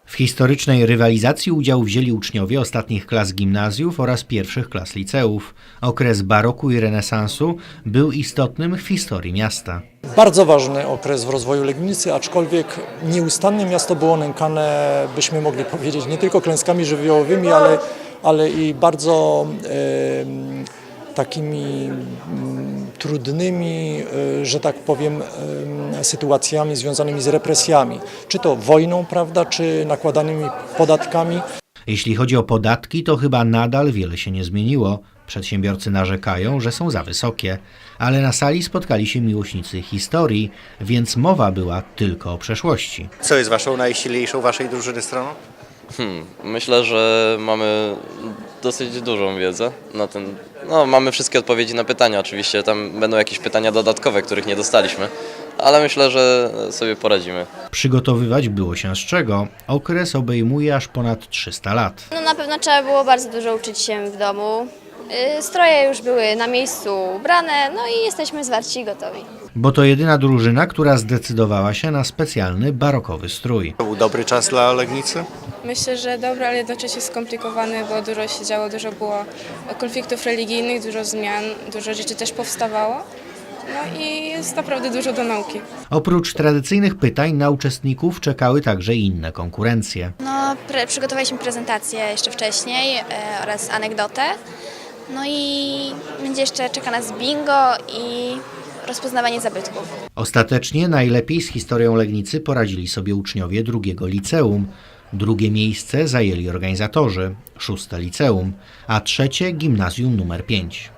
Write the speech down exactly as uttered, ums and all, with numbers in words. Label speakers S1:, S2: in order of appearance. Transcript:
S1: W historycznej rywalizacji udział wzięli uczniowie ostatnich klas gimnazjów oraz pierwszych klas liceów. Okres baroku i renesansu był istotnym w historii miasta.
S2: Bardzo ważny okres w rozwoju Legnicy, aczkolwiek nieustannie miasto było nękane, byśmy mogli powiedzieć, nie tylko klęskami żywiołowymi, ale, ale i bardzo e, takimi m, trudnymi, e, że tak powiem, e, sytuacjami związanymi z represjami. Czy to wojną, prawda, czy nakładanymi podatkami.
S1: Jeśli chodzi o podatki, to chyba nadal wiele się nie zmieniło. Przedsiębiorcy narzekają, że są za wysokie, ale na sali spotkali się miłośnicy historii, więc mowa była tylko o przeszłości.
S3: Co jest waszą najsilniejszą waszej drużyny stroną?
S4: Hmm, myślę, że mamy dosyć dużą wiedzę na ten. No, mamy wszystkie odpowiedzi na pytania. Oczywiście tam będą jakieś pytania dodatkowe, których nie dostaliśmy, ale myślę, że sobie poradzimy.
S1: Przygotowywać było się z czego. Okres obejmuje aż ponad trzysta lat.
S5: No na pewno trzeba było bardzo dużo uczyć się w domu. Yy, Stroje już były na miejscu ubrane, no i jesteśmy zwarci i gotowi.
S1: Bo to jedyna drużyna, która zdecydowała się na specjalny barokowy strój.
S3: To był dobry czas dla Legnicy?
S6: Myślę, że dobry, ale jednocześnie skomplikowany, bo dużo się działo, dużo było konfliktów religijnych, dużo zmian, dużo rzeczy też powstawało. No i jest naprawdę dużo do nauki.
S1: Oprócz tradycyjnych pytań na uczestników czekały także inne konkurencje.
S5: No, pre przygotowaliśmy prezentację jeszcze wcześniej yy, oraz anegdotę. No i będzie jeszcze czeka nas bingo i rozpoznawanie zabytków.
S1: Ostatecznie najlepiej z historią Legnicy poradzili sobie uczniowie drugiego liceum. Drugie miejsce zajęli organizatorzy, szóste liceum, a trzecie gimnazjum numer pięć.